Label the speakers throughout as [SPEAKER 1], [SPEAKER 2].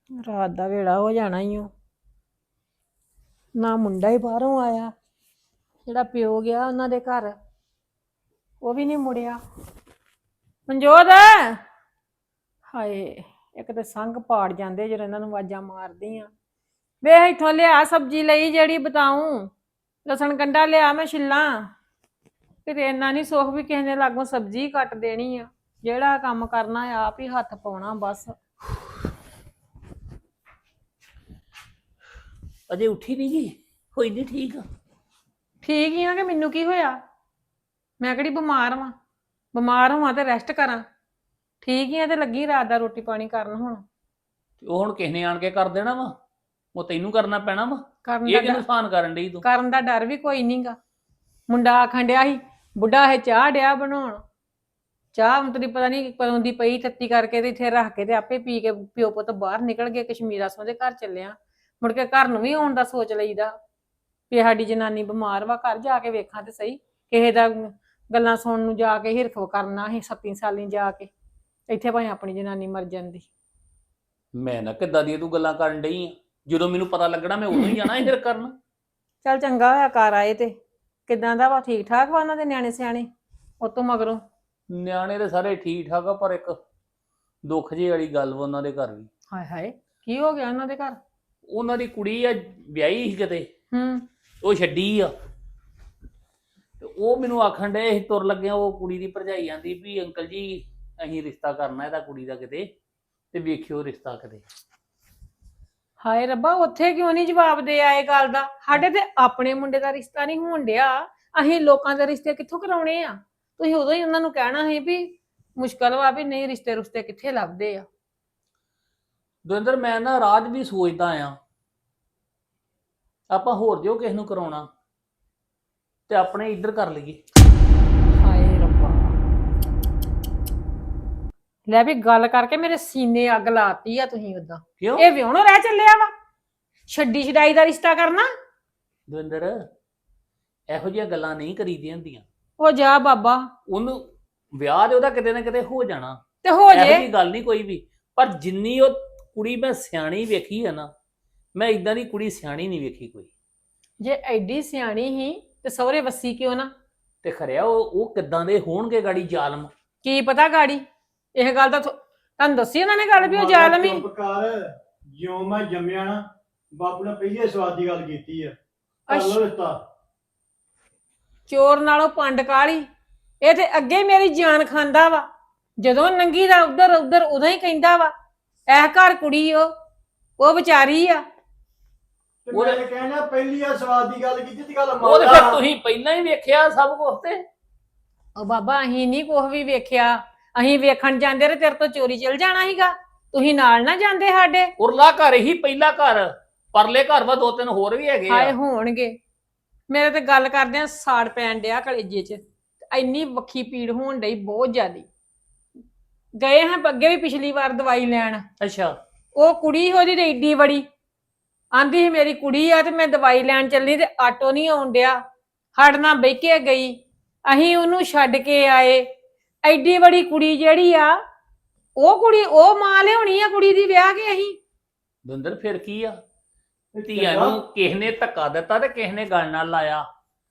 [SPEAKER 1] ਰਾਤ ਦਾ ਵੇੜਾ ਹੋ ਜਾਣਾ ਹੀ ਉਹ। ਨਾ ਮੁੰਡਾ ਹੀ ਬਾਹਰੋਂ ਆਇਆ, ਜਿਹੜਾ ਪਿਓ ਗਿਆ ਉਹਨਾਂ ਦੇ ਘਰ ਉਹ ਵੀ ਨਹੀਂ ਮੁੜਿਆ। ਮਨਜੋਤ, ਹਾਏ ਇੱਕ ਤੇ ਸੰਗ ਪਾੜ ਜਾਂਦੇ ਜਦੋਂ ਇਹਨਾਂ ਨੂੰ ਆਵਾਜ਼ਾਂ ਮਾਰਦੀ ਆ। ਵੇ ਇੱਥੋਂ ਲਿਆ ਸਬਜ਼ੀ ਲਈ ਜਿਹੜੀ ਬਤਾਊਂ, ਲਸਣ ਗੰਢਾ ਲਿਆ ਮੈਂ ਛਿੱਲਾਂ। ਕਿਤੇ ਇੰਨਾ ਨਹੀਂ ਸੁੱਖ ਵੀ ਕਿਸੇ ਨੇ ਲਾਗੋਂ ਸਬਜ਼ੀ ਕੱਟ ਦੇਣੀ ਆ। ਜਿਹੜਾ ਕੰਮ ਕਰਨਾ ਆਪ ਹੀ ਹੱਥ ਪਾਉਣਾ ਬਸ।
[SPEAKER 2] ਅਜੇ ਉੱਠੀ ਨਹੀਂ ਜੀ? ਹੋਈ ਨਹੀਂ ਠੀਕ?
[SPEAKER 1] ਠੀਕ ਹੀ ਆ ਕਿ ਮੈਨੂੰ ਕੀ ਹੋਇਆ? ਮੈਂ ਕਿਹੜੀ ਬਿਮਾਰ ਵਾਂ? ਬਿਮਾਰ ਹੋਵਾਂ ਤੇ ਰੈਸਟ ਕਰਾਂ। ਠੀਕ ਹੀ ਆ ਤੇ ਲੱਗੀ ਰਾਤ ਦਾ ਰੋਟੀ ਪਾਣੀ ਕਰਨ ਹੁਣ।
[SPEAKER 2] ਉਹ ਹੁਣ ਕਿਸ ਨੇ ਆਣ ਕੇ ਕਰ ਦੇਣਾ ਵਾ? ਉਹ ਤੈਨੂੰ ਕਰਨਾ ਪੈਣਾ ਵਾ।
[SPEAKER 1] ਕਰਨ
[SPEAKER 2] ਇਹ
[SPEAKER 1] ਦਾ
[SPEAKER 2] ਕਿਹਨੂੰ ਸਾਨ ਕਰਨ ਡਈ ਤੂੰ?
[SPEAKER 1] ਕਰਨ ਦਾ ਡਰ ਵੀ ਕੋਈ ਨਹੀਂਗਾ। ਮੁੰਡਾ ਆਖਣ ਡਿਆ ਸੀ ਬੁੱਢਾ ਇਹ ਚਾਹ ਡਿਆ ਬਣਾਉਣ। ਚਾਹ ਹੁਣ ਤੇਰੀ ਪਤਾ ਨਹੀਂ ਕਦੋਂ ਦੀ ਪਈ, ਤੱਤੀ ਕਰਕੇ ਤੇ ਇੱਥੇ ਰੱਖ ਕੇ ਤੇ ਆਪੇ ਪੀ ਕੇ ਪਿਓ ਪੁੱਤ ਬਾਹਰ ਨਿਕਲ ਗਏ। ਕਸ਼ਮੀਰਾ ਸੋਂ ਦੇ ਘਰ ਚੱਲਿਆ, ਮੁੜ ਕੇ ਘਰ ਨੂੰ ਵੀ ਆਉਣ ਦਾ ਸੋਚ ਲਈਦਾ ਵੀ ਸਾਡੀ ਜਨਾਨੀ ਬਿਮਾਰ ਵਾ, ਘਰ ਜਾ ਕੇ ਵੇਖਾਂ ਤੇ ਸਹੀ। ਕਿਸੇ ਦਾ ਗੱਲਾਂ ਸੁਣਨ ਨੂੰ ਜਾ ਕੇ ਹਿਰਖ ਕਰਨਾ ਸੀ 37 ਸਾਲੀ ਜਾ ਕੇ, ਇੱਥੇ ਭਾਵੇਂ ਆਪਣੀ ਜਨਾਨੀ ਮਰ ਜਾਂਦੀ।
[SPEAKER 2] ਮੈਂ ਨਾ ਕਿੱਦਾਂ ਦੀਆਂ ਤੂੰ ਗੱਲਾਂ ਕਰਨ ਡਈ ਆ? ਜਦੋਂ ਮੈਨੂੰ ਪਤਾ ਲੱਗਣਾ ਮੈਂ ਉਦੋਂ ਹੀ ਜਾਣਾ ਇਹ ਫਿਰ ਕਰਨ।
[SPEAKER 1] ਚੱਲ ਚੰਗਾ ਹੋਇਆ ਘਰ ਆਏ। ਤੇ ਕਿੱਦਾਂ ਦਾ ਵਾ? ਠੀਕ ਠਾਕ ਵਾ ਉਹਨਾਂ ਦੇ ਨਿਆਣੇ ਸਿਆਣੇ ਉਤੋਂ ਮਗਰੋਂ?
[SPEAKER 2] ਨਿਆਣੇ ਤੇ ਸਾਰੇ ਠੀਕ ਠਾਕ ਆ, ਪਰ ਇੱਕ ਦੁੱਖ ਜਿਹੀ ਵਾਲੀ ਗੱਲ ਵਾ ਉਹਨਾਂ ਦੇ ਘਰ ਵੀ।
[SPEAKER 1] ਹਾਏ ਹਾਏ, ਕੀ ਹੋ ਗਿਆ ਉਹਨਾਂ ਦੇ ਘਰ?
[SPEAKER 2] ਉਹਨਾਂ ਦੀ ਕੁੜੀ ਆ ਵਿਆਹੀ ਸੀ ਕਿਤੇ, ਉਹ ਛੱਡੀ ਆ। ਤੇ ਉਹ ਮੈਨੂੰ ਆਖਣ ਡਏ ਸੀ ਤੁਰ ਲੱਗਿਆ, ਉਹ ਕੁੜੀ ਦੀ ਭਰਜਾਈ ਆਂਦੀ ਵੀ ਅੰਕਲ ਜੀ ਅਸੀਂ ਰਿਸ਼ਤਾ ਕਰਨਾ ਇਹਦਾ ਕੁੜੀ ਦਾ ਕਿਤੇ, ਤੇ ਵੇਖਿਓ ਰਿਸ਼ਤਾ ਕਿਤੇ।
[SPEAKER 1] ਹਾਏ ਰੱਬਾ, ਉੱਥੇ ਕਿਉਂ ਨਹੀਂ ਜਵਾਬ ਦੇ ਆਏ ਗੱਲ ਦਾ? ਸਾਡੇ ਤੇ ਆਪਣੇ ਮੁੰਡੇ ਦਾ ਰਿਸ਼ਤਾ ਨਹੀਂ ਹੋਣ ਡਿਆ, ਅਸੀਂ ਲੋਕਾਂ ਦੇ ਰਿਸ਼ਤੇ ਕਿੱਥੋਂ ਕਰਾਉਣੇ ਆ? ਤੁਸੀਂ ਉਦੋਂ ਹੀ ਉਹਨਾਂ ਨੂੰ ਕਹਿਣਾ ਸੀ ਵੀ ਮੁਸ਼ਕਲ ਵਾ, ਵੀ ਨਹੀਂ ਰਿਸ਼ਤੇ ਰੁਸ਼ਤੇ ਕਿੱਥੇ ਲੱਭਦੇ ਆ।
[SPEAKER 2] ਦਵਿੰਦਰ ਮੈਂ ਨਾ ਰਾਜ ਵੀ ਸੋਚਦਾ ਆ, ਆਪਾਂ ਹੋਰ ਜੋ ਕਿਸ ਨੂੰ ਕਰਾਉਣਾ ਤੇ ਆਪਣੇ ਇੱਧਰ ਕਰ ਲਈਏ।
[SPEAKER 1] ਹਾਏ ਰੱਬਾ, ਲੈ ਵੀ ਗੱਲ ਕਰਕੇ ਮੇਰੇ ਸੀਨੇ ਅੱਗ ਲਾਤੀ ਆ ਤੁਸੀਂ। ਉਦਾਂ
[SPEAKER 2] ਕਿਉਂ?
[SPEAKER 1] ਇਹ ਵਿਆਹਣੋਂ ਰਹਿ ਚੱਲਿਆ ਵਾ, ਛੱਡੀ ਛਡਾਈ ਦਾ ਰਿਸ਼ਤਾ ਕਰਨਾ?
[SPEAKER 2] ਦਵਿੰਦਰ ਇਹੋ ਜਿਹੀਆਂ ਗੱਲਾਂ ਨਹੀਂ ਕਰੀਦੀਆਂ ਹੁੰਦੀਆਂ।
[SPEAKER 1] ਉਹ ਜਾ ਬਾਬਾ,
[SPEAKER 2] ਉਹਨੂੰ ਵਿਆਹ ਦੇ ਉਹਦਾ ਕਿਤੇ ਨਾ ਕਿਤੇ ਹੋ ਜਾਣਾ,
[SPEAKER 1] ਤੇ ਹੋ
[SPEAKER 2] ਇਹੋ
[SPEAKER 1] ਜੇ।
[SPEAKER 2] ਜਿਹੀ ਗੱਲ ਨਹੀਂ ਕੋਈ ਵੀ। ਪਰ ਜਿੰਨੀ ਉਹ ਕੁੜੀ ਮੈਂ ਸਿਆਣੀ ਵੇਖੀ ਹੈ ਨਾ, ਮੈਂ ਇਦਾਂ ਦੀ ਕੁੜੀ ਸਿਆਣੀ ਨਹੀਂ ਵੇਖੀ ਕੋਈ।
[SPEAKER 1] ਜੇ ਐਡੀ ਸਿਆਣੀ ਹੀ ਤੇ ਸਹੁਰੇ ਵੱਸੀ ਕਿਉਂ ਨਾ?
[SPEAKER 2] ਤੇ ਖਰਿਆ ਉਹ ਕਿੱਦਾਂ ਦੇ ਹੋਣਗੇ ਗਾੜੀ ਜ਼ਾਲਮ?
[SPEAKER 1] ਕੀ ਪਤਾ ਗਾੜੀ, ਇਹ ਗੱਲ ਤਾਂ ਤੁਹਾਨੂੰ ਦੱਸੀ ਉਹਨਾਂ ਨੇ ਗੱਲ ਵੀ ਉਹ ਜ਼ਾਲਮ ਹੀ।
[SPEAKER 3] ਚੁੱਪ ਕਰ, ਜਿਉਂ ਮੈਂ ਜੰਮਿਆ ਨਾ ਬਾਪੂ ਨੇ ਪਹਿਲੇ ਸਵਾਦ ਦੀ ਗੱਲ ਕੀਤੀ ਆ, ਕਰ ਲੋ ਰਿਸ਼ਤਾ।
[SPEAKER 1] ਚੋਰ ਨਾਲੋਂ ਪੰਡ ਕਾਲੀ, ਇਹ ਤੇ ਅੱਗੇ ਹੀ ਮੇਰੀ ਜਾਨ ਖਾਂਦਾ ਵਾ। ਜਦੋਂ ਨੰਗੀ ਦਾ ਉਧਰ ਉਧਰ ਉਦੋਂ ਹੀ ਕਹਿੰਦਾ ਵਾ ਇਹ ਘਰ ਕੁੜੀ ਉਹ ਵਿਚਾਰੀ ਆ।
[SPEAKER 3] ਤੇ ਮੈਂ ਕਹਿੰਦਾ ਪਹਿਲੀ ਆ ਸਵਾਦ ਦੀ ਗੱਲ ਕੀਤੀ ਤੇ ਗੱਲ
[SPEAKER 2] ਉਹ ਤੇ ਫਿਰ ਤੁਸੀਂ ਪਹਿਲਾਂ ਹੀ ਵੇਖਿਆ ਸਭ ਕੁਝ। ਤੇ
[SPEAKER 1] ਉਹ ਬਾਬਾ ਅਸੀਂ ਨਹੀਂ ਕੁਛ ਵੀ ਵੇਖਿਆ, ਅਸੀਂ ਵੇਖਣ ਜਾਂਦੇ ਤੇ ਤੇਰੇ ਤੋਂ ਚੋਰੀ ਚਲ ਜਾਣਾ ਸੀਗਾ, ਤੁਸੀਂ ਨਾਲ ਨਾ ਜਾਂਦੇ ਸਾਡੇ।
[SPEAKER 2] ਉਰਲਾ ਘਰ ਹੀ ਪਹਿਲਾ ਘਰ, ਪਰਲੇ ਘਰ ਵਾ ਦੋ ਤਿੰਨ ਹੋਰ ਵੀ ਹੈਗੇ
[SPEAKER 1] ਹਾਏ
[SPEAKER 2] ਆ।
[SPEAKER 1] ਹੋਣਗੇ। ਮੇਰੇ ਤੇ ਗੱਲ ਕਰਦਿਆਂ ਸਾੜ ਪੈਣ ਡਿਆ ਕਲੇਜੇ 'ਚ, ਇੰਨੀ ਵੱਖੀ ਪੀੜ ਹੋਣ ਡਈ ਬਹੁਤ ਜ਼ਿਆਦੀ। ਗਏ ਹਾਂ ਅੱਗੇ ਵੀ ਪਿਛਲੀ ਵਾਰ ਦਵਾਈ ਲੈਣ,
[SPEAKER 2] ਅੱਛਾ,
[SPEAKER 1] ਉਹ ਕੁੜੀ ਉਹਦੀ ਤੇ ਏਡੀ ਬੜੀ ਆਂਦੀ ਸੀ ਮੇਰੀ ਕੁੜੀ ਆ ਤੇ ਮੈਂ ਦਵਾਈ ਲੈਣ ਚੱਲੀ ਤੇ ਆਟੋ ਨਹੀਂ ਆਉਣ ਡਿਆ, ਸਾਡੇ ਨਾਲ ਬਹਿ ਕੇ ਗਈ, ਅਸੀਂ ਉਹਨੂੰ ਛੱਡ ਕੇ ਆਏ। ਐਡੀ ਬੜੀ ਕੁੜੀ ਜਿਹੜੀ ਆ, ਉਹ ਕੁੜੀ ਉਹ ਮਾਂ ਲਿਆਉਣੀ ਆ ਕੁੜੀ ਦੀ ਵਿਆਹ ਕੇ ਅਸੀਂ।
[SPEAKER 2] ਦਵਿੰਦਰ ਫਿਰ ਕੀ ਆ? ਧੀਆਂ ਨੂੰ ਕਿਸ ਨੇ ਧੱਕਾ ਦਿੱਤਾ ਤੇ ਕਿਸ ਨੇ ਗੱਲ ਨਾਲ ਲਾਇਆ।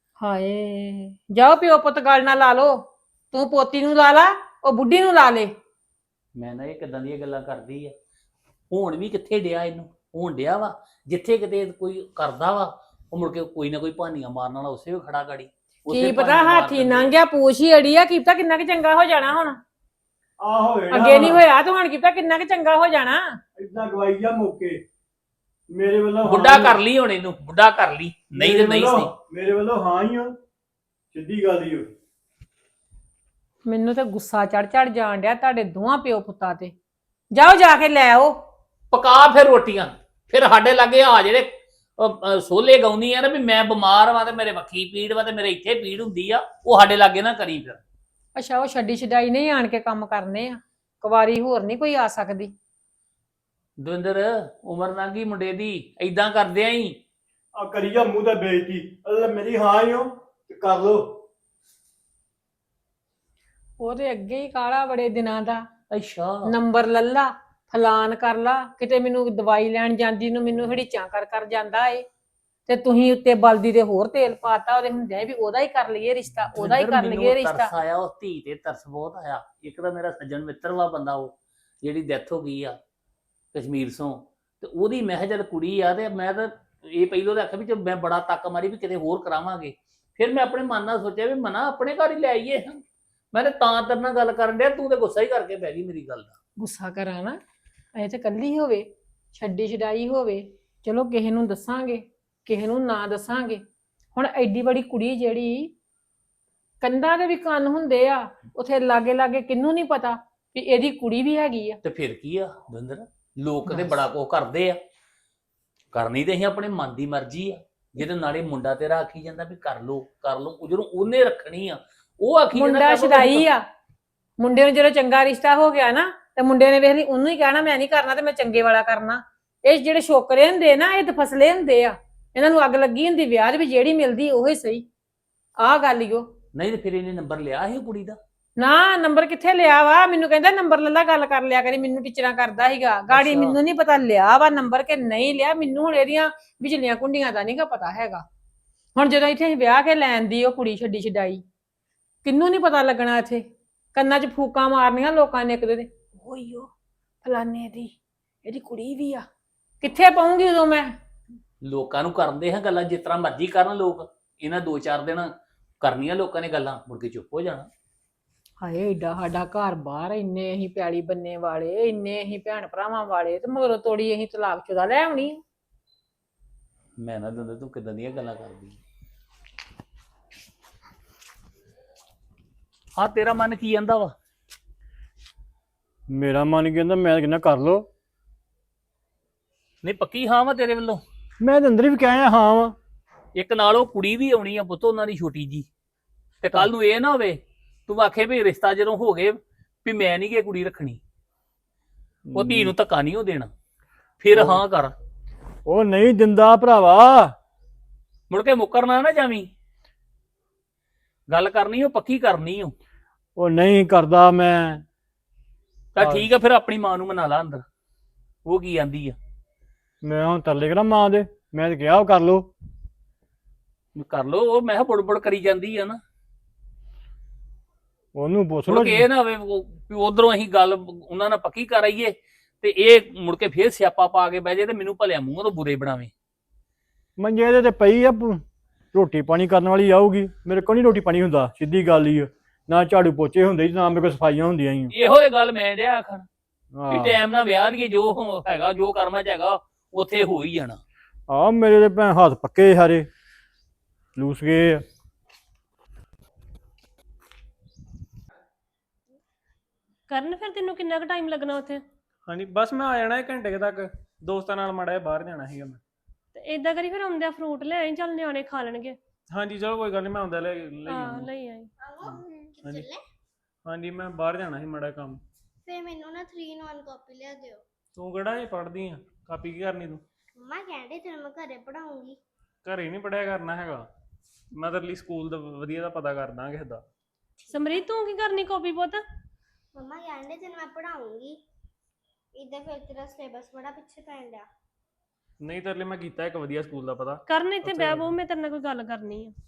[SPEAKER 1] ਹਾਏ ਜਾਓ ਪਿਓ ਪੁੱਤ ਗੱਲ ਨਾ ਲਾ ਲੋ, ਤੂੰ ਪੋਤੀ ਨੂੰ ਲਾ ਲਾ, ਉਹ ਬੁੱਢੀ ਨੂੰ ਲਾ ਲੇ।
[SPEAKER 2] ਮੈਂ ਨਾ ਇਹ ਕਿੱਦਾਂ ਦੀਆਂ ਗੱਲਾਂ ਕਰਦੀ ਆ? ਹੁਣ ਵੀ ਕਿੱਥੇ ਡਿਆ ਇਹਨੂੰ? ਹੋਣ ਡਿਆ ਵਾ ਜਿੱਥੇ ਕਿਤੇ ਕੋਈ ਕਰਦਾ ਵਾ, ਉਹ ਮੁੜ ਕੇ ਕੋਈ ਨਾ ਕੋਈ ਭਾਨੀਆਂ ਮਾਰਨ ਵਾਲਾ ਉਸੇ ਵੀ ਖੜਾ ਗਾੜੀ।
[SPEAKER 1] ਕੀ ਪਤਾ ਹਾਥੀ ਲੰਘ ਪੂਛ ਹੀ ਅੜੀ ਆ, ਕੀ ਪਤਾ ਕਿੰਨਾ ਕੁ ਚੰਗਾ ਹੋ ਜਾਣਾ ਹੁਣ।
[SPEAKER 3] ਆਹੋ
[SPEAKER 1] ਅੱਗੇ ਨਹੀਂ ਹੋਇਆ ਤੇ ਹੁਣ ਕੀ ਪਤਾ ਕਿੰਨਾ ਕੁ ਚੰਗਾ ਹੋ ਜਾਣਾ।
[SPEAKER 3] ਇਦਾਂ ਗਵਾਈ ਜਾ ਮੌਕੇ ਮੇਰੇ ਵੱਲੋਂ।
[SPEAKER 2] ਬੁੱਢਾ ਕਰ ਲਈ ਹੁਣ ਇਹਨੂੰ, ਬੁੱਢਾ ਕਰ ਲਈ, ਨਹੀਂ ਤੇ ਨਹੀਂ ਸਹੀ।
[SPEAKER 3] ਮੇਰੇ ਵੱਲੋਂ ਹਾਂ ਹੀ ਆ, ਸਿੱਧੀ ਗੱਲ ਹੀ ਹੋ।
[SPEAKER 1] ਮੈਨੂੰ ਤੇ ਗੁੱਸਾ ਚੜ ਚੜ ਜਾਣ ਡਿਆ ਤੁਹਾਡੇ ਦੋਹਾਂ ਪਿਓ ਪੁੱਤਾਂ ਤੇ। ਜਾਓ ਜਾ ਕੇ ਲੈ ਆਓ,
[SPEAKER 2] ਪਕਾ ਫਿਰ ਰੋਟੀਆਂ। ਫਿਰ ਸਾਡੇ ਲਾਗੇ ਆ ਜਿਹੜੇ ਸੋਲੇ ਗਾਉਂਦੀ ਆ ਨਾ ਵੀ ਮੈਂ ਬਿਮਾਰ ਵਾਂ ਤੇ ਮੇਰੇ ਵੱਖੀ ਪੀੜ ਵਾ ਤੇ ਮੇਰੇ ਇੱਥੇ ਪੀੜ ਹੁੰਦੀ ਆ, ਉਹ ਸਾਡੇ ਲਾਗੇ ਨਾ ਕਰੀ ਫਿਰ।
[SPEAKER 1] ਅੱਛਾ ਉਹ ਛੱਡੀ ਛਡਾਈ ਨਹੀਂ ਆਣ ਕੇ ਕੰਮ ਕਰਨੇ ਆ, ਕੁਵਾਰੀ ਹੋਰ ਨਹੀਂ ਕੋਈ ਆ ਸਕਦੀ।
[SPEAKER 2] ਦਵਿੰਦਰ ਉਮਰ ਲੰਘੀ ਮੁੰਡੇ ਦੀ, ਏਦਾਂ ਕਰਦੇ ਆਂ ਹੀ।
[SPEAKER 3] ਆ ਕਰੀ ਜਾ ਮੂੰਹ ਤੇ ਬੇਇੱਜ਼ਤੀ। ਅੱਲਾ ਮੇਰੀ ਹਾਂ ਹੀ ਹੋ ਤੇ ਕਰ ਲੋ।
[SPEAKER 1] ਉਹਦੇ ਅੱਗੇ ਹੀ ਕਾਲਾ ਬੜੇ ਦਿਨਾਂ ਦਾ
[SPEAKER 2] ਅੱਛਾ,
[SPEAKER 1] ਨੰਬਰ ਲੱਲਾ ਫਲਾਨ ਕਰ ਲਾ, ਕਿਤੇ ਮੈਨੂੰ ਦਵਾਈ ਲੈਣ ਜਾਂਦੀ ਨੂੰ ਮੈਨੂੰ ਹੜੀਚਾਂ ਕਰ ਜਾਂਦਾ ਏ, ਤੇ ਤੁਸੀਂ ਉੱਤੇ ਬਲਦੀ ਦੇ ਹੋਰ ਤੇਲ ਪਾਤਾ, ਉਹਦੇ ਹੁੰਦਿਆਂ ਵੀ ਉਹਦਾ ਹੀ ਕਰ ਲਈਏ ਰਿਸ਼ਤਾ, ਉਹਦਾ ਹੀ ਕਰ
[SPEAKER 2] ਮੈਨੂੰ
[SPEAKER 1] ਲਈਏ ਰਿਸ਼ਤਾ।
[SPEAKER 2] ਤਰਸ ਆਇਆ ਉਸ ਧੀ ਤੇ, ਤਰਸ ਬਹੁਤ ਆਇਆ। ਇੱਕ ਤਾਂ ਮੇਰਾ ਸੱਜਣ ਮਿੱਤਰ ਵਾ ਬੰਦਾ, ਉਹ ਜਿਹੜੀ ਡੈਥ ਹੋ ਗਈ ਆ ਕਸ਼ਮੀਰ ਤੋਂ, ਤੇ ਉਹਦੀ ਮੈਂ ਕਿਹਾ ਜਦ ਕੁੜੀ ਆ, ਤੇ ਮੈਂ ਤਾਂ ਇਹ ਪਹਿਲੋਂ ਤਾਂ ਆਖਿਆ ਵੀ ਮੈਂ ਬੜਾ ਤੱਕ ਮਾਰੀ ਵੀ ਕਿਤੇ ਹੋਰ ਕਰਾਵਾਂਗੇ। ਫਿਰ ਮੈਂ ਆਪਣੇ ਮਨ ਨਾਲ ਸੋਚਿਆ ਵੀ ਮਨਾ ਆਪਣੇ ਘਰ ਹੀ ਲੈ ਆਈਏ। ਮੈਂ ਤਾਂ ਤੇਰੇ ਨਾਲ ਗੱਲ ਕਰਨ ਡਿਆ, ਤੂੰ ਤੇ ਗੁੱਸਾ ਹੀ ਕਰਕੇ ਬਹਿ ਗਈ ਮੇਰੀ ਗੱਲ ਦਾ।
[SPEAKER 1] ਗੁੱਸਾ ਕਰਾਂ ਨਾ, ਇਹ ਤੇ ਕੱਲੀ ਹੋਵੇ, ਛੱਡੀ ਛਡਾਈ ਹੋਵੇ, ਚਲੋ ਕਿਸੇ ਨੂੰ ਦੱਸਾਂਗੇ, ਕਿਸੇ ਨੂੰ ਨਾ ਦੱਸਾਂਗੇ। ਹੁਣ ਐਡੀ ਬੜੀ ਕੁੜੀ ਜਿਹੜੀ, ਕੰਧਾਂ ਦੇ ਵੀ ਕੰਨ ਹੁੰਦੇ ਆ, ਉਥੇ ਲਾਗੇ ਲਾਗੇ ਕਿਹਨੂੰ ਨਹੀਂ ਪਤਾ ਵੀ ਇਹਦੀ ਕੁੜੀ ਵੀ ਹੈਗੀ ਆ।
[SPEAKER 2] ਤੇ ਫਿਰ ਕੀ ਆ ਦਵਿੰਦਰ, ਲੋਕ ਤੇ ਬੜਾ ਕੁਝ ਕਰਦੇ ਆ, ਕਰਨੀ ਤੇ ਅਸੀਂ ਆਪਣੇ ਮਨ ਦੀ ਮਰਜ਼ੀ ਆ। ਜਿਹਦੇ ਨਾਲੇ ਮੁੰਡਾ ਤੇਰਾ ਆਖੀ ਜਾਂਦਾ ਵੀ ਕਰ ਲੋ ਕਰ ਲੋ, ਜਦੋਂ ਉਹਨੇ ਰੱਖਣੀ ਆ ਉਹ ਆਖੀ ਜਾਂਦਾ
[SPEAKER 1] ਮੁੰਡਾ ਛਡਾਈ ਆ, ਮੁੰਡੇ ਨੂੰ ਜਦੋਂ ਚੰਗਾ ਰਿਸ਼ਤਾ ਹੋ ਗਿਆ ਨਾ, ਤੇ ਮੁੰਡੇ ਨੇ ਵੇਖ ਲਈ ਉਹਨੂੰ ਹੀ ਕਹਿਣਾ ਮੈਂ ਨਹੀਂ ਕਰਨਾ, ਤੇ ਮੈਂ ਚੰਗੇ ਵਾਲਾ ਕਰਨਾ। ਇਹ ਜਿਹੜੇ ਛੋਕਰੇ ਹੁੰਦੇ ਨਾ, ਇਹ ਦਫਸਲੇ ਹੁੰਦੇ ਆ, ਇਹਨਾਂ ਨੂੰ ਅੱਗ ਲੱਗੀ ਹੁੰਦੀ ਵਿਆਹ ਦੇ ਵੀ, ਜਿਹੜੀ ਮਿਲਦੀ ਉਹੀ ਸਹੀ। ਆਹ ਗੱਲ ਈ ਉਹ।
[SPEAKER 2] ਨਹੀਂ ਤੇ ਫਿਰ ਇਹਨੇ ਨੰਬਰ ਲਿਆ ਸੀ ਕੁੜੀ ਦਾ?
[SPEAKER 1] ਨਾ ਨੰਬਰ ਕਿੱਥੇ ਲਿਆ ਵਾ, ਮੈਨੂੰ ਕਹਿੰਦਾ ਨੰਬਰ ਲੱਲਾ ਗੱਲ ਕਰ ਲਿਆ ਕਰੀ, ਮੈਨੂੰ ਟੀਚਰਾਂ ਕਰਦਾ ਸੀਗਾ ਗਾੜੀ। ਮੈਨੂੰ ਨਹੀਂ ਪਤਾ ਲਿਆ ਵਾ ਨੰਬਰ ਕਿ ਨਹੀਂ ਲਿਆ, ਮੈਨੂੰ ਹੁਣ ਇਹਦੀਆਂ ਵਿਚਲੀਆਂ ਕੁੰਡੀਆਂ ਦਾ ਨਹੀਂਗਾ ਪਤਾ ਹੈਗਾ। ਹੁਣ ਜਦੋਂ ਇੱਥੇ ਵਿਆਹ ਕੇ ਲੈਣ ਦੀ ਉਹ ਕੁੜੀ ਛੱਡੀ ਛਡਾਈ, ਕਿੰਨੂੰ ਨਹੀਂ ਪਤਾ ਲੱਗਣਾ। ਇੱਥੇ ਕੰਨਾਂ 'ਚ ਫੂਕਾਂ ਮਾਰਨੀਆਂ ਲੋਕਾਂ ਨੇ ਇੱਕ ਦੂਜੇ ਦੇ, ਓਈ ਓ ਫਲਾਨੇ ਦੀ ਇਹਦੀ ਕੁੜੀ ਵੀ ਆ। ਕਿੱਥੇ ਪਾਉਂਗੀ ਉਦੋਂ ਮੈਂ?
[SPEAKER 2] ਲੋਕਾਂ ਨੂੰ ਕਰਦੇ ਹਾਂ ਗੱਲਾਂ ਜਿਸ ਤਰ੍ਹਾਂ ਮਰਜ਼ੀ ਕਰਨ ਲੋਕ, ਇਹਨਾਂ 2-4 ਦਿਨ ਕਰਨੀਆਂ ਲੋਕਾਂ ਨੇ ਗੱਲਾਂ, ਮੁੜ ਕੇ ਚੁੱਪ ਹੋ ਜਾਣਾ।
[SPEAKER 1] ਹਾਏ ਏਡਾ ਸਾਡਾ ਘਰ ਬਾਹਰ, ਇੰਨੇ ਅਸੀਂ ਪੈਲੀ ਬੰਨੇ ਵਾਲੇ, ਇੰਨੇ ਅਸੀਂ ਭੈਣ ਭਰਾਵਾਂ ਵਾਲੇ, ਤੇ ਮਗਰੋਂ ਤੋੜੀ ਅਸੀਂ ਤਲਾਕਸ਼ੁਦਾ ਲੈ ਆਉਣੀ।
[SPEAKER 2] ਮੈਂ ਨਾ ਦਿੰਦਾ, ਤੂੰ ਕਿਦਾਂ ਦੀਆਂ ਗੱਲਾਂ ਕਰਦੀ। ਹਾਂ ਤੇਰਾ ਮਨ ਕੀ ਕਹਿੰਦਾ ਵਾ?
[SPEAKER 3] ਮੇਰਾ ਮਨ ਕਹਿੰਦਾ ਮੈਂ ਕਹਿੰਦਾ ਕਰ ਲੋ।
[SPEAKER 2] ਨਹੀਂ ਪੱਕੀ ਹਾਂ ਵਾ ਤੇਰੇ ਵੱਲੋਂ?
[SPEAKER 3] ਮੈਂ ਤਾਂ ਅੰਦਰ ਵੀ ਕਹਿਆ ਹਾਂ ਵਾ।
[SPEAKER 2] ਇੱਕ ਨਾਲ ਉਹ ਕੁੜੀ ਵੀ ਆਉਣੀ ਆ ਪੁੱਤ, ਉਹਨਾਂ ਦੀ ਛੋਟੀ ਜੀ, ਤੇ ਕੱਲ ਨੂੰ ਇਹ ਨਾ ਹੋਵੇ ਤੂੰ ਆਖੇ ਵੀ ਰਿਸ਼ਤਾ ਜਦੋਂ ਹੋ ਗਏ ਵੀ ਮੈਂ ਨਹੀਂ ਗੇ ਕੁੜੀ ਰੱਖਣੀ, ਉਹ ਧੀ ਨੂੰ ਧੱਕਾ ਨਹੀਂ ਉਹ ਦੇਣਾ। ਫਿਰ ਹਾਂ ਕਰ।
[SPEAKER 3] ਉਹ ਨਹੀਂ ਦਿੰਦਾ ਭਰਾਵਾ,
[SPEAKER 2] ਮੁੜ ਕੇ ਮੁੱਕਰਨਾ ਨਾ ਜਾਵੀਂ, ਗੱਲ ਕਰਨੀ ਉਹ ਪੱਕੀ ਕਰਨੀ
[SPEAKER 3] ਉਹ ਨਹੀਂ ਕਰਦਾ ਮੈਂ।
[SPEAKER 2] ਤਾਂ ਠੀਕ ਆ, ਫਿਰ ਆਪਣੀ ਮਾਂ ਨੂੰ ਮਨਾ ਲਾ ਅੰਦਰ, ਉਹ ਕੀ ਆਂਦੀ ਆ।
[SPEAKER 3] ਮੈਂ ਹੁਣ ਤਰਲੇ ਕਰਾਂ ਮਾਂ ਦੇ? ਮੈਂ ਤਾਂ ਕਿਹਾ ਉਹ ਕਰ ਲੋ।
[SPEAKER 2] ਕਰ ਲੋ, ਉਹ ਮੈਂ ਕਿਹਾ ਬੁੜ ਕਰੀ ਜਾਂਦੀ ਆ ਨਾ,
[SPEAKER 3] ਉਹਨੂੰ ਪੁੱਛ ਲੋ।
[SPEAKER 2] ਮੁੜ ਕੇ ਇਹ ਨਾ ਹੋਵੇ ਵੀ ਉਧਰੋਂ ਅਸੀਂ ਗੱਲ ਉਹਨਾਂ ਨਾਲ ਪੱਕੀ ਕਰ ਆਈਏ ਤੇ ਇਹ ਮੁੜ ਕੇ ਫੇਰ ਸਿਆਪਾ ਪਾ ਕੇ ਬਹਿ ਜਾਏ ਤੇ ਮੈਨੂੰ ਭਲਿਆ ਮੂੰਹ ਤੋਂ ਬੁਰੇ ਬਣਾਵੇ।
[SPEAKER 3] ਮੰਜੇ ਦੇ ਤੇ ਪਈ ਆ, ਰੋਟੀ ਪਾਣੀ ਕਰਨ ਵਾਲੀ ਆਊਗੀ, ਮੇਰੇ ਕੋਲ ਨਹੀਂ ਰੋਟੀ ਪਾਣੀ ਹੁੰਦਾ, ਸਿੱਧੀ ਗੱਲ ਹੀ ਆ। ਨਾ ਝਾੜੂ ਪੋਚੇ ਹੁੰਦੇ, ਨਾ ਮੇਰੇ ਕੋਲ ਸਫਾਈਆਂ ਹੁੰਦੀਆਂ ਹੀ।
[SPEAKER 2] ਇਹੋ ਇਹ ਗੱਲ ਮੈਂ ਡਿਆ ਆਖਣ ਵੀ ਟਾਈਮ ਨਾਲ ਵਿਆਹ ਦੀ ਜੋ ਹੈਗਾ, ਜੋ ਕਰਮਾਂ ਚ ਹੈਗਾ ਉੱਥੇ ਹੋ ਹੀ ਜਾਣਾ।
[SPEAKER 3] ਆ ਮੇਰੇ ਦੇ ਭੈਣ ਹੱਥ ਪੱਕੇ ਸਾਰੇ ਲੂਸ ਗਏ ਆ।
[SPEAKER 4] ਕਰਨ ਫਿਰ ਤੈਨੂੰ ਕਿੰਨਾ ਕੁ ਟਾਈਮ ਲੱਗਣਾ ਉੱਥੇ?
[SPEAKER 5] ਹਾਂਜੀ ਬਸ ਮੈਂ ਆ ਜਾਣਾ 1 ਘੰਟੇ ਕੁ ਤੱਕ, ਦੋਸਤਾਂ ਨਾਲ ਮਾੜਾ ਜਿਹਾ ਬਾਹਰ ਜਾਣਾ ਸੀਗਾ ਮੈਂ।
[SPEAKER 4] ਤੇ ਏਦਾਂ ਕਰੀ ਫਿਰ ਆਉਂਦਿਆਂ ਫਰੂਟ ਲੈ ਆਈ, ਚੱਲ ਨਿਆਣੇ ਖਾ ਲੈਣਗੇ।
[SPEAKER 5] ਹਾਂਜੀ ਚਲੋ ਕੋਈ ਗੱਲ ਨਹੀਂ, ਮੈਂ ਆਉਂਦਾ ਲੈ
[SPEAKER 4] ਹਾਂ ਲਈ ਆਈ।
[SPEAKER 5] ਹਾਂਜੀ ਹਾਂਜੀ ਮੈਂ ਬਾਹਰ ਜਾਣਾ ਸੀ ਮਾੜਾ ਕੰਮ।
[SPEAKER 6] ਫੇ ਮੈਨੂੰ ਨਾ 3 in 1 ਕਾਪੀ ਲਿਆ ਦਿਓ।
[SPEAKER 5] ਤੂੰ ਕਿਹੜਾ ਇਹ ਪੜ੍ਹਦੀ ਆ? ਕਾਪੀ ਕੀ ਕਰਨੀ ਤੂੰ?
[SPEAKER 6] ਮੰਮਾ ਕਹਿੰਦੇ ਤੈਨੂੰ ਮੈਂ ਘਰੇ ਪੜਾਉਂਗੀ।
[SPEAKER 5] ਘਰੇ ਨਹੀਂ ਪੜ੍ਹਿਆ ਕਰਨਾ ਹੈਗਾ, ਮੈਂ ਤਾਂ ਲਈ ਸਕੂਲ ਦਾ ਵਧੀਆ ਦਾ ਪਤਾ ਕਰਦਾ ਕਿਸੇ ਦਾ।
[SPEAKER 4] ਸਮਰੀਤ ਤੂੰ ਕੀ ਕਰਨੀ ਕਾਪੀ ਪੁੱਤ?
[SPEAKER 6] ਮੰਮਾ ਕਹਿੰਦੇ ਤੈਨੂੰ ਮੈਂ ਪੜਾਉਂਗੀ, ਇਦਾਂ ਫਿਰ ਤੇਰਾ ਸਿਲੇਬਸ ਬੜਾ ਪਿੱਛੇ ਪੈਣ ਡਿਆ।
[SPEAKER 5] ਨਹੀਂ ਤੇਰੇ ਲਈ ਮੈਂ ਕੀਤਾ ਇੱਕ ਵਧੀਆ ਸਕੂਲ ਦਾ ਪਤਾ।
[SPEAKER 4] ਕਰਨ ਇੱਥੇ ਬਹਿ ਬਹੁ, ਮੈਂ ਤੇਰੇ ਨਾਲ ਕੋਈ ਗੱਲ ਕਰਨੀ ਆ।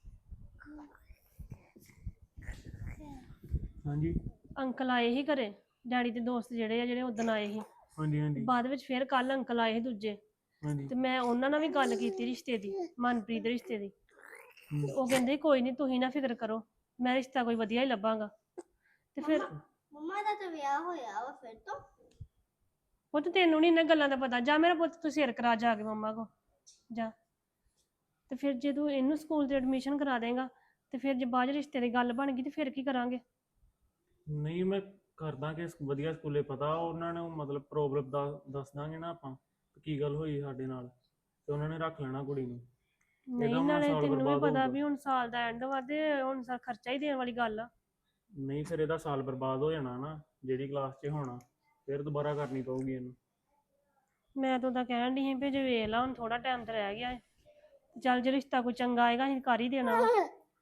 [SPEAKER 5] ਹਾਂਜੀ
[SPEAKER 4] ਅੰਕਲ ਆਏ ਸੀ ਘਰੇ, ਡੈਡੀ ਦੇ ਦੋਸਤ ਜਿਹੜੇ ਆ, ਜਿਹੜੇ ਉਦਣ ਆਏ ਸੀ,
[SPEAKER 5] ਹਾਂਜੀ ਹਾਂਜੀ
[SPEAKER 4] ਬਾਅਦ ਵਿੱਚ ਫਿਰ ਕੱਲ ਅੰਕਲ ਆਏ ਸੀ ਦੂਜੇ,
[SPEAKER 5] ਹਾਂਜੀ
[SPEAKER 4] ਤੇ ਮੈਂ ਉਹਨਾਂ ਨਾਲ ਵੀ ਗੱਲ ਕੀਤੀ ਰਿਸ਼ਤੇ ਦੀ, ਮਨਪ੍ਰੀਤ ਦੇ ਰਿਸ਼ਤੇ ਦੀ। ਤੇ ਉਹ ਕਹਿੰਦੇ ਕੋਈ ਨਹੀਂ ਤੁਸੀਂ ਨਾ ਫਿਕਰ ਕਰੋ, ਮੈਂ ਰਿਸ਼ਤਾ ਕੋਈ ਵਧੀਆ ਹੀ ਲੱਭਾਂਗਾ। ਤੇ ਫਿਰ
[SPEAKER 6] ਮੰਮਾ ਦਾ ਤਾਂ ਵਿਆਹ ਹੋਇਆ ਵਾ ਫਿਰ ਤੋਂ।
[SPEAKER 4] ਪੁੱਤ ਤੈਨੂੰ ਨਹੀਂ ਇਹਨਾਂ ਗੱਲਾਂ ਦਾ ਪਤਾ, ਜਾ ਮੇਰਾ ਪੁੱਤ ਤੂੰ ਸਿਰ ਕਰਾ ਜਾ ਕੇ ਮੰਮਾ ਕੋ ਜਾ। ਤੇ ਫਿਰ ਜੇ ਤੂੰ ਇਹਨੂੰ ਸਕੂਲ ਤੇ ਐਡਮਿਸ਼ਨ ਕਰਾ ਦੇਗਾ, ਤੇ ਫਿਰ ਜੇ ਬਾਅਦ ਰਿਸ਼ਤੇ ਦੀ ਗੱਲ ਬਣ ਗਈ ਤੇ ਫਿਰ ਕੀ ਕਰਾਂਗੇ?
[SPEAKER 5] ਨਹੀਂ ਮੈਂ ਕਰਦਾ ਕਿ ਵਧੀਆ ਸਕੂਲੇ ਪਤਾ, ਉਹਨਾਂ ਨੂੰ ਮਤਲਬ ਪ੍ਰੋਬਲਮ ਦੱਸ ਦਾਂਗੇ ਨਾ ਆਪਾਂ ਕੀ ਗੱਲ ਹੋਈ ਸਾਡੇ ਨਾਲ, ਤੇ ਉਹਨਾਂ ਨੇ ਰੱਖ ਲੈਣਾ ਕੁੜੀ ਨੂੰ।
[SPEAKER 4] ਨਹੀਂ ਨਾਲੇ ਤੈਨੂੰ ਵੀ ਪਤਾ ਵੀ ਹੁਣ ਸਾਲ ਦਾ ਐਂਡ ਵਾ, ਤੇ ਹੁਣ ਖਰਚਾ ਹੀ ਦੇਣ ਵਾਲੀ ਗੱਲ ਆ।
[SPEAKER 5] ਨਹੀਂ ਫਿਰ ਇਹਦਾ ਸਾਲ ਬਰਬਾਦ ਹੋ ਜਾਣਾ ਨਾ, ਜਿਹੜੀ ਕਲਾਸ 'ਚ ਹੋਣਾ, ਫਿਰ ਦੁਬਾਰਾ ਕਰਨੀ ਪਊਗੀ ਇਹਨੂੰ।
[SPEAKER 4] ਮੈਂ ਤਾਂ ਉਹਦਾ ਕਹਿਣ ਦੀ ਸੀ ਵੀ ਜੇ ਵੇਖ ਲਾ, ਹੁਣ ਥੋੜਾ ਟਾਈਮ ਤੇ ਰਹਿ ਗਿਆ ਹੈ, ਚੱਲ ਜੇ ਰਿਸ਼ਤਾ ਕੋਈ ਚੰਗਾ ਆਏਗਾ ਅਸੀਂ ਕਰ ਹੀ ਦੇਣਾ ਵਾ,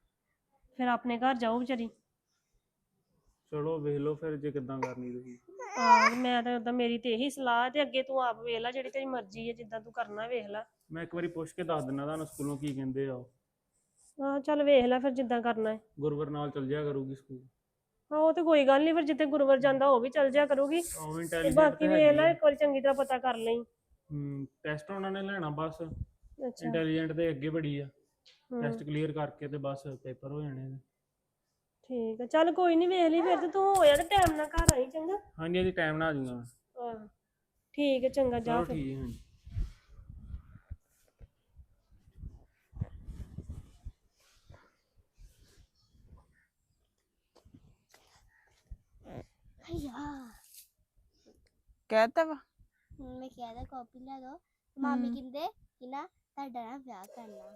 [SPEAKER 4] ਫਿਰ ਆਪਣੇ ਘਰ ਜਾਓ ਵਿਚਾਰੀ।
[SPEAKER 5] ਚਲੋ ਵੇਖ ਲਓ ਫਿਰ ਜੇ ਕਿੱਦਾਂ ਕਰਨੀ ਤੁਸੀਂ।
[SPEAKER 4] ਮੈਂ ਤਾਂ ਉਦਾਂ ਮੇਰੀ ਤੇ ਇਹੀ ਸਲਾਹ ਤੇ ਅੱਗੇ ਤੂੰ ਆਪ ਵੇਖ ਲੈ, ਜਿਹੜੀ ਤੇਰੀ ਮਰਜ਼ੀ ਹੈ, ਜਿੱਦਾਂ ਤੂੰ ਕਰਨਾ ਵੇਖ ਲੈ।
[SPEAKER 5] ਮੈਂ ਇੱਕ ਵਾਰੀ ਪੁੱਛ ਕੇ ਦੱਸ ਦਿੰਦਾ ਤੁਹਾਨੂੰ ਸਕੂਲੋਂ ਕੀ ਕਹਿੰਦੇ ਆ ਉਹ।
[SPEAKER 4] ਹਾਂ ਚੱਲ ਵੇਖ ਲੈ ਫਿਰ ਜਿੱਦਾਂ ਕਰਨਾ ਹੈ।
[SPEAKER 5] ਗੁਰਵਰ ਨਾਲ ਚੱਲ ਜਾਇਆ ਕਰੂਗੀ ਸਕੂਲ।
[SPEAKER 4] ਹਾਂ ਉਹ ਤੇ ਕੋਈ ਗੱਲ ਨਹੀਂ, ਫਿਰ ਜਿੱਥੇ ਗੁਰਵਰ ਜਾਂਦਾ ਉਹ ਵੀ ਚੱਲ ਜਾਇਆ ਕਰੂਗੀ।
[SPEAKER 5] ਉਹ
[SPEAKER 4] ਤੇ
[SPEAKER 5] ਇੰਟੈਲੀਜੈਂਟ
[SPEAKER 4] ਬਾਕੀ
[SPEAKER 5] ਤੇ
[SPEAKER 4] ਵੇਖ
[SPEAKER 5] ਹੈਗੀ
[SPEAKER 4] ਲੈ,
[SPEAKER 5] ਆ।
[SPEAKER 4] ਇੱਕ ਵਾਰੀ ਚੰਗੀ ਤਰ੍ਹਾਂ ਪਤਾ ਕਰ ਲਈ।
[SPEAKER 5] ਟੈਸਟ ਉਹਨਾਂ ਨੇ ਲੈਣਾ ਬਸ।
[SPEAKER 4] ਅੱਛਾ।
[SPEAKER 5] ਇੰਟੈਲੀਜੈਂਟ ਦੇ ਅੱਗੇ ਬੜੀ ਆ।
[SPEAKER 4] ਹਮ,
[SPEAKER 5] ਟੈਸਟ ਕਲੀਅਰ ਕਰਕੇ ਤੇ ਬਸ ਪੇਪਰ ਹੋ ਜਾਣੇ ਨੇ।
[SPEAKER 4] ਠੀਕ ਹੈ, ਚੱਲ ਕੋਈ ਨਹੀਂ ਵੇਖ ਲਈ ਫਿਰ, ਤੇ ਤੂੰ ਹੋਇਆ ਤੇ ਟਾਈਮ ਨਾਲ ਘਰ ਆਈ ਚੰਗਾ।
[SPEAKER 5] ਹਾਂਜੀ ਹਾਂਜੀ ਟਾਈਮ ਨਾਲ ਆ ਜਾਊਂਗਾ ਮੈਂ।
[SPEAKER 4] ਹਾਂ ਠੀਕ ਹੈ, ਚੰਗਾ ਜਾ
[SPEAKER 5] ਚਲੋ
[SPEAKER 4] ਫਿਰ।
[SPEAKER 5] ਠੀਕ ਹੈ ਹਾਂਜੀ।
[SPEAKER 6] ਯਾਰ
[SPEAKER 7] ਕਹਿਤਾ ਵਾ
[SPEAKER 6] ਮੈਂ ਕਿਹਾ ਤਾਂ ਕਾਪੀ ਲੈ ਦੋ, ਮਾਮੀ ਕਹਿੰਦੇ ਕਿ ਨਾ ਤੁਹਾਡਾ ਨਾ ਵਿਆਹ ਕਰਨਾ।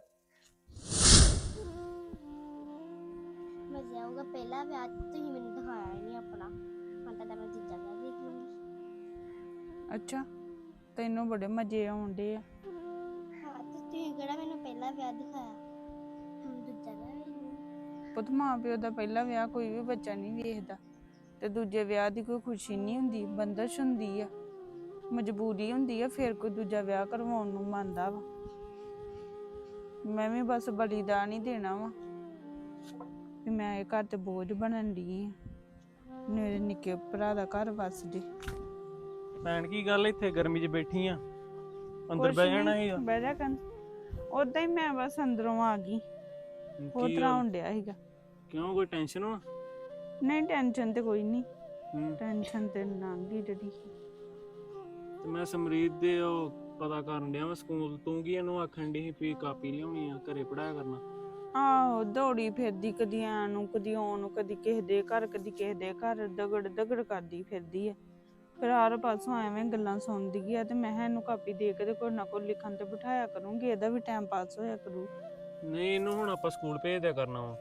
[SPEAKER 6] ਮੈਂ ਜਾਊਂਗਾ ਪਹਿਲਾ ਵਿਆਹ, ਤੁਸੀਂ ਮੈਨੂੰ ਦਿਖਾਇਆ ਹੀ ਨਹੀਂ ਆਪਣਾ, ਹੁਣ ਤਾਂ ਮੈਂ ਦੂਜਾ ਵਿਆਹ ਦੇਖ ਲੂੰਗੀ।
[SPEAKER 7] ਅੱਛਾ ਤੈਨੂੰ ਬੜੇ ਮਜ਼ੇ ਆਉਂਦੇ ਆ।
[SPEAKER 6] ਹਾਂ ਤੇ ਤੁਸੀਂ ਕਿਹੜਾ ਮੈਨੂੰ ਪਹਿਲਾ ਵਿਆਹ ਦਿਖਾਇਆ, ਹੁਣ ਦੂਜਾ ਵਿਆਹ ਵੇਖ ਲੂੰਗੀ।
[SPEAKER 7] ਪੁੱਤ ਮਾਂ ਪਿਓ ਦਾ ਪਹਿਲਾ ਵਿਆਹ ਕੋਈ ਵੀ ਬੱਚਾ ਨਹੀਂ ਵੇਖਦਾ, ਤੇ ਦੂਜੇ ਵਿਆਹ ਦੀ ਕੋਈ ਖੁਸ਼ੀ ਨਹੀਂ ਹੁੰਦੀ, ਬੰਦਸ਼ ਹੁੰਦੀ ਆ, ਮਜਬੂਰੀ ਹੁੰਦੀ ਆ, ਫਿਰ ਕੋਈ ਦੂਜਾ ਵਿਆਹ ਕਰਵਾਉਣ ਨੂੰ ਮੰਨਦਾ ਵਾ। ਮੈਂ ਵੀ ਬਸ ਬਲੀਦਾਨ ਹੀ ਦੇਣਾ ਵਾ ਵੀ ਮੈਂ ਇਹ ਘਰ ਤੇ ਬੋਝ ਬਣਨ ਦੀ ਆ, ਮੇਰੇ ਨਿੱਕੇ ਭਰਾ ਦਾ ਘਰ ਵੱਸ ਜੇ।
[SPEAKER 5] ਭੈਣ ਕੀ ਗੱਲ ਇੱਥੇ ਗਰਮੀ 'ਚ ਬੈਠੀ ਆ? ਅੰਦਰ
[SPEAKER 7] ਕੁਛ
[SPEAKER 5] ਬਹਿ ਜਾਣਾ
[SPEAKER 7] ਨੀ,
[SPEAKER 5] ਸੀਗਾ।
[SPEAKER 7] ਬਹਿ ਜਾ ਕਰ। ਉਦਾਂ ਹੀ ਮੈਂ ਬਸ ਅੰਦਰੋਂ ਆ ਗਈ, ਹੋਰ
[SPEAKER 5] ਕੀ
[SPEAKER 7] ਤਰ੍ਹਾਂ
[SPEAKER 5] ਗੱਲ?
[SPEAKER 7] ਹੋਣ ਡਿਆ ਸੀਗਾ।
[SPEAKER 5] ਕਿਉਂ ਕੋਈ ਟੈਨਸ਼ਨ ਵਾ?
[SPEAKER 7] ਨਹੀਂ ਟੈਨਸ਼ਨ ਤੇ ਕੋਈ ਨਹੀਂ,
[SPEAKER 5] ਹੂੰ।
[SPEAKER 7] ਟੈਨਸ਼ਨ ਤੇ ਲੰਘ ਗਈ ਜਿਹੜੀ।
[SPEAKER 5] ਤੇ ਮੈਂ ਸਮਰੀਤ ਦੇ ਉਹ ਪਤਾ ਕਰਨ ਡਿਆ ਵਾ ਸਕੂਲ। ਤੂੰ ਕੀ ਇਹਨੂੰ ਆਖਣ ਡਈ ਸੀ ਵੀ ਕਾਪੀ ਲਿਆਉਣੀ ਆ, ਘਰੇ ਪੜਾਇਆ ਕਰਨਾ?
[SPEAKER 7] ਆਹੋ ਦੌੜੀ ਫਿਰਦੀ, ਕਦੀ ਆਣ ਨੂੰ ਕਦੀ ਆਉਣ ਨੂੰ, ਕਦੀ ਕਿਸੇ ਦੇ ਘਰ ਕਦੀ ਕਿਸੇ ਦੇ ਘਰ, ਦਗੜ ਦਗੜ ਕਰਦੀ ਫਿਰਦੀ ਆ। ਫਿਰ ਹਰ ਪਾਸੋਂ ਐਵੇਂ ਗੱਲਾਂ ਸੁਣਦੀ ਆ, ਤੇ ਮੈਂ ਕਿਹਾ ਇਹਨੂੰ ਕਾਪੀ ਦੇ ਕੇ ਤੇ ਕੋਈ ਨਾ ਕੋਈ ਲਿਖਣ ਤੇ ਬਿਠਾਇਆ ਕਰੂੰਗੀ, ਇਹਦਾ ਵੀ ਟਾਈਮ ਪਾਸ ਹੋਇਆ ਕਰੂ।
[SPEAKER 5] ਨਹੀਂ ਇਹਨੂੰ ਹੁਣ ਆਪਾਂ ਸਕੂਲ ਭੇਜ ਦਿਆ ਕਰਨਾ ਵਾ।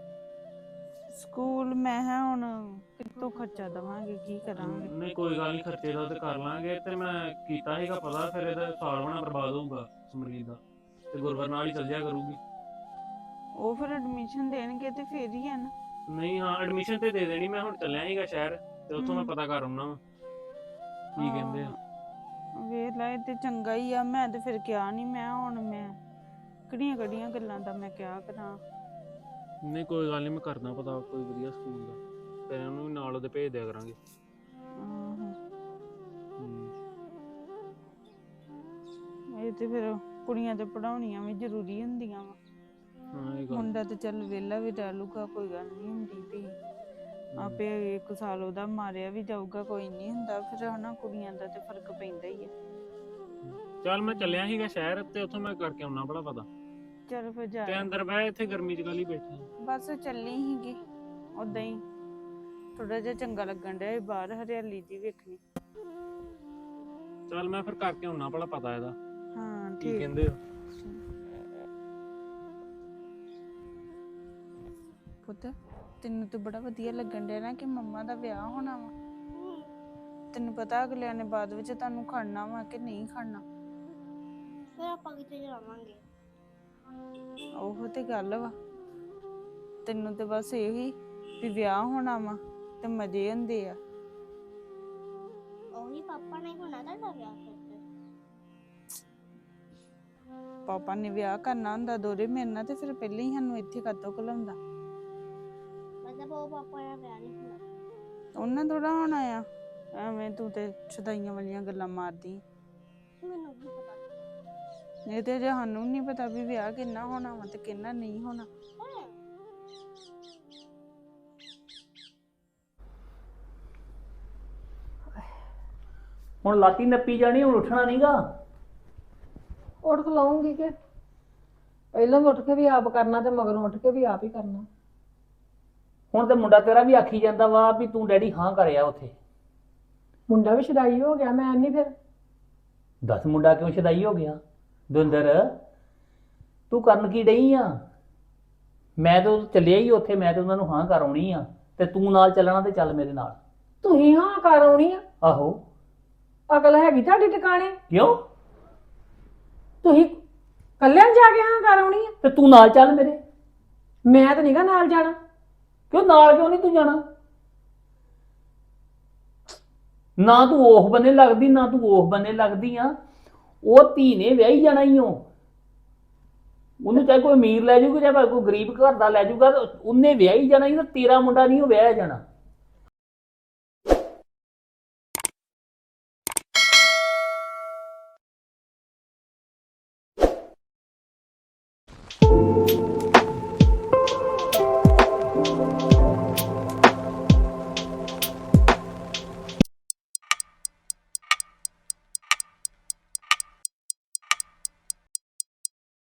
[SPEAKER 7] ਸਕੂਲ ਮੈਂ ਕਿਹਾ ਹੁਣ ਕਿੱਥੋਂ ਖਰਚਾ ਦੇਵਾਂਗੇ, ਕੀ ਕਰਾਂਗੇ।
[SPEAKER 5] ਨਹੀਂ ਕੋਈ ਗੱਲ ਨਹੀਂ, ਖਰਚੇ ਦਾ ਤੇ ਕਰ ਲਾਂਗੇ। ਤੇ ਮੈਂ ਕੀਤਾ ਸੀਗਾ ਪਤਾ, ਫਿਰ ਇਹਦਾ ਸਾਲ ਬਣਾ ਬਰਬਾਦ ਹੋਊਗਾ ਸਮਰੀਤ ਦਾ, ਤੇ ਗੁਰਵਰ ਨਾਲ ਹੀ ਚੱਲ ਜਾਇਆ ਕਰੂਗੀ।
[SPEAKER 7] ਉਹ ਫਿਰ ਐਡਮਿਸ਼ਨ ਦੇਣਗੇ ਤੇ ਫੇਰ ਹੀ ਆ ਨਾ।
[SPEAKER 5] ਨਹੀਂ ਹਾਂ ਐਡਮਿਸ਼ਨ ਤੇ ਦੇ ਦੇਣੀ। ਮੈਂ ਹੁਣ ਚੱਲਿਆ ਸੀਗਾ ਸ਼ਹਿਰ, ਤੇ ਉੱਥੋਂ ਮੈਂ ਪਤਾ ਕਰ ਆਉਣਾ ਵਾ ਕੀ ਕਹਿੰਦੇ ਆ।
[SPEAKER 7] ਵੇਖ ਲੈ ਇਹ ਤੇ ਚੰਗਾ ਹੀ ਆ, ਮੈਂ ਤੇ ਫਿਰ ਕਿਹਾ ਨਹੀਂ, ਮੈਂ ਹੁਣ ਮੈਂ ਕਿਹੜੀਆਂ ਕਿਹੜੀਆਂ ਗੱਲਾਂ ਦਾ ਮੈਂ ਕਿਹਾ ਕਰਾਂ।
[SPEAKER 5] ਨਹੀਂ ਕੋਈ ਗੱਲ ਨਹੀਂ, ਮੈਂ ਕਰਦਾ ਪਤਾ ਕੋਈ ਵਧੀਆ ਸਕੂਲ ਦਾ, ਫਿਰ ਉਹਨੂੰ ਵੀ ਨਾਲ ਉਹਦੇ ਭੇਜ ਦਿਆ ਕਰਾਂਗੇ।
[SPEAKER 7] ਆਹੋ
[SPEAKER 5] ਹੂੰ।
[SPEAKER 7] ਇਹ ਤੇ ਫਿਰ ਕੁੜੀਆਂ ਤੇ ਪੜਾਉਣੀਆਂ ਵੀ ਜ਼ਰੂਰੀ ਹੁੰਦੀਆਂ ਵਾ।
[SPEAKER 5] ਹਾਂ ਇਹ ਗੱਲ।
[SPEAKER 7] ਮੁੰਡਾ ਤੇ ਚੱਲ ਵਿਹਲਾ ਵੀ ਰਹਿ ਲੂਗਾ, ਕੋਈ ਗੱਲ ਨਹੀਂ ਹੁੰਦੀ ਵੀ ਆਪੇ 1 ਸਾਲ ਉਹਦਾ ਮਾਰਿਆ ਵੀ ਜਾਊਗਾ, ਕੋਈ ਨਹੀਂ ਹੁੰਦਾ। ਫਿਰ ਹਨਾ ਕੁੜੀਆਂ ਦਾ ਤੇ ਫਰਕ ਪੈਂਦਾ ਹੀ ਆ।
[SPEAKER 5] ਚੱਲ ਮੈਂ ਚੱਲਿਆ ਸੀਗਾ ਸ਼ਹਿਰ, ਤੇ ਉੱਥੋਂ ਮੈਂ ਕਰਕੇ ਆਉਣਾ ਬੜਾ ਪਤਾ।
[SPEAKER 7] ਚੱਲ ਫਿਰ ਜਾ,
[SPEAKER 5] ਤੇ ਅੰਦਰ ਬਹਿ, ਇੱਥੇ ਗਰਮੀ 'ਚ ਕਾਹਲੀ ਬੈਠੀ?
[SPEAKER 7] ਬਸ ਚੱਲੀ ਸੀਗੀ ਉਦਾਂ ਹੀ, ਥੋੜਾ ਜਿਹਾ ਚੰਗਾ ਲੱਗਣ ਡਿਆ ਸੀ ਬਾਹਰ ਹਰਿਆਲੀ ਜੀ ਵੇਖਣੀ।
[SPEAKER 5] ਚੱਲ ਮੈਂ ਫਿਰ ਕਰਕੇ ਆਉਣਾ ਭਲਾ ਪਤਾ ਇਹਦਾ
[SPEAKER 7] ਹਾਂ
[SPEAKER 5] ਕੀ
[SPEAKER 7] ਠੀਕ।
[SPEAKER 5] ਕਹਿੰਦੇ ਆ।
[SPEAKER 7] ਪੁੱਤ ਤੈਨੂੰ ਤਾਂ ਬੜਾ ਵਧੀਆ ਲੱਗਣ ਡਿਆ ਨਾ ਕਿ ਮੰਮਾ ਦਾ ਵਿਆਹ ਹੋਣਾ ਵਾ। ਤੈਨੂੰ ਪਤਾ ਅਗਲਿਆਂ ਨੇ ਬਾਅਦ ਵਿੱਚ ਤੁਹਾਨੂੰ ਖੜਨਾ ਵਾ ਕਿ ਨਹੀਂ ਖੜਨਾ।
[SPEAKER 6] ਫਿਰ ਆਪਾਂ ਕਿੱਥੇ ਜਾਵਾਂਗੇ?
[SPEAKER 7] ਉਹ ਤੇ ਗੱਲ ਵਾ, ਤੈਨੂੰ ਤੇ ਬਸ ਇਹੀ ਵੀ ਵਿਆਹ ਹੋਣਾ ਵਾ ਤੇ ਮਜ਼ੇ ਹੁੰਦੇ ਆ।
[SPEAKER 6] ਉਹੀ ਪਾਪਾ ਨੇ ਹੋਣਾ ਤੁਹਾਡਾ ਵਿਆਹ ਫਿਰ ਤੇ।
[SPEAKER 7] ਪਾਪਾ ਨੇ ਵਿਆਹ ਕਰਨਾ ਹੁੰਦਾ ਦੋਰੇ ਮੇਰੇ ਨਾਲ, ਤੇ ਫਿਰ ਪਹਿਲਾਂ ਹੀ ਸਾਨੂੰ ਇੱਥੇ ਕਾਤੋਂ ਘਲਾਉਂਦਾ।
[SPEAKER 6] ਮਤਲਬ ਉਹ ਪਾਪਾ ਦਾ ਵਿਆਹ ਨਹੀਂ ਹੋਣਾ?
[SPEAKER 7] ਉਹਨਾਂ ਥੋੜਾ ਹੋਣਾ ਆ, ਐਵੇਂ ਤੂੰ ਤੇ ਛਦਾਈਆਂ ਵਾਲੀਆਂ ਗੱਲਾਂ ਮਾਰਦੀ।
[SPEAKER 6] ਮੈਨੂੰ ਕੀ ਪਤਾ।
[SPEAKER 7] ਇਹ ਤੇ ਜੇ ਸਾਨੂੰ ਨਹੀਂ ਪਤਾ ਵੀ ਵਿਆਹ ਕਿੰਨਾ ਹੋਣਾ ਵਾ ਤੇ ਕਿੰਨਾ ਨਹੀਂ ਹੋਣਾ।
[SPEAKER 2] ਹੁਣ ਲਾਤੀ ਨੱਪੀ ਜਾਣੀ, ਹੁਣ ਉੱਠਣਾ ਨਹੀਂਗਾ।
[SPEAKER 1] ਉੱਠ ਖਲਾਉਂਗੀ ਕਿ ਪਹਿਲਾਂ ਉੱਠ ਕੇ ਵੀ ਆਪ ਕਰਨਾ ਤੇ ਮਗਰੋਂ ਉੱਠ ਕੇ ਵੀ ਆਪ ਹੀ ਕਰਨਾ।
[SPEAKER 2] ਹੁਣ ਤੇ ਮੁੰਡਾ ਤੇਰਾ ਵੀ ਆਖੀ ਜਾਂਦਾ ਵਾ ਵੀ ਤੂੰ ਡੈਡੀ ਹਾਂ ਕਰਿਆ ਉੱਥੇ।
[SPEAKER 1] ਮੁੰਡਾ ਵੀ ਸ਼ਦਾਈ ਹੋ ਗਿਆ, ਮੈਂ ਨਹੀਂ ਫਿਰ।
[SPEAKER 2] ਦੱਸ ਮੁੰਡਾ ਕਿਉਂ ਸ਼ਦਾਈ ਹੋ ਗਿਆ? ਦਵਿੰਦਰ ਤੂੰ ਕਰਨ ਕੀ ਡਈ ਆ? ਮੈਂ ਤਾਂ ਚੱਲਿਆ ਹੀ ਉੱਥੇ, ਮੈਂ ਤਾਂ ਉਹਨਾਂ ਨੂੰ ਹਾਂ ਕਰ ਆਉਣੀ ਆ, ਤੇ ਤੂੰ ਨਾਲ ਚੱਲਣਾ ਤੇ ਚੱਲ ਮੇਰੇ ਨਾਲ।
[SPEAKER 1] ਤੁਸੀਂ ਹਾਂ ਕਰ ਆਉਣੀ ਆ?
[SPEAKER 2] ਆਹੋ।
[SPEAKER 1] ਅਕਲ ਹੈਗੀ ਤੁਹਾਡੀ ਟਿਕਾਣੇ?
[SPEAKER 2] ਕਿਉਂ?
[SPEAKER 1] ਤੁਸੀਂ ਕੱਲਿਆਂ ਜਾ ਕੇ ਹਾਂ ਕਰ ਆਉਣੀ ਆ?
[SPEAKER 2] ਤੇ ਤੂੰ ਨਾਲ ਚੱਲ ਮੇਰੇ।
[SPEAKER 1] ਮੈਂ ਤਾਂ ਨਹੀਂਗਾ ਨਾਲ ਜਾਣਾ।
[SPEAKER 2] ਕਿਉਂ ਨਾਲ ਕਿਉਂ ਨਹੀਂ ਤੂੰ ਜਾਣਾ? ਨਾ ਤੂੰ ਉਹ ਬੰਨੇ ਲੱਗਦੀ ਨਾ ਤੂੰ ਉਹ ਬੰਨੇ ਲੱਗਦੀ ਆ। ਉਹ ਧੀ ਨੇ ਵਿਆਹੀ ਜਾਣਾ ਹੀ ਉਹਨੂੰ ਚਾਹੇ ਕੋਈ ਅਮੀਰ ਲੈ ਜਾਊਗਾ ਚਾਹੇ ਕੋਈ ਗਰੀਬ ਘਰ ਦਾ ਲੈ ਜਾਊਗਾ, ਉਹਨੇ ਵਿਆਹੀ ਜਾਣਾ ਹੀ, ਤੇਰਾ ਮੁੰਡਾ ਨਹੀਂ ਉਹ ਵਿਆਹਿਆ ਜਾਣਾ।